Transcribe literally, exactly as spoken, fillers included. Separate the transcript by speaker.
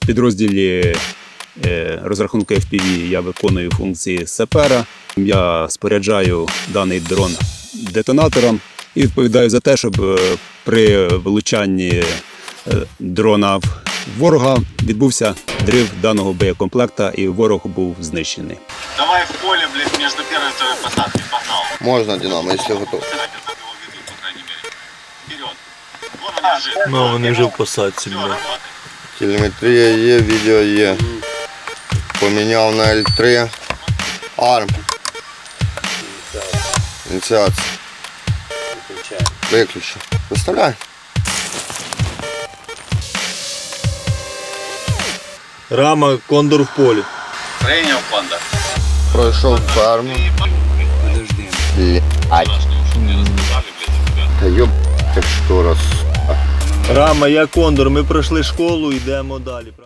Speaker 1: В підрозділі розрахунку еф пі ві я виконую функції сапера. Я споряджаю даний дрон детонатором і відповідаю за те, щоб при влучанні дрона в ворога відбувся дрив даного боєкомплекта і ворог був знищений.
Speaker 2: Давай в поле, блядь, между первой и второй посадкой, погнал.
Speaker 3: Можна, Динамо, якщо готов.
Speaker 4: Ну, вони вже в посадці, блядь.
Speaker 3: Телеметрія є, відео є. Поміняв на ель три. Арм. Ініціація. Виключи. Виставляй.
Speaker 4: Рама, кондор в полі.
Speaker 2: Прийняв кондор.
Speaker 3: Пройшов ферму.
Speaker 2: Подожди.
Speaker 3: Ай. Та йоб, так що раз.
Speaker 4: Рама, я кондор, ми пройшли школу, йдемо далі.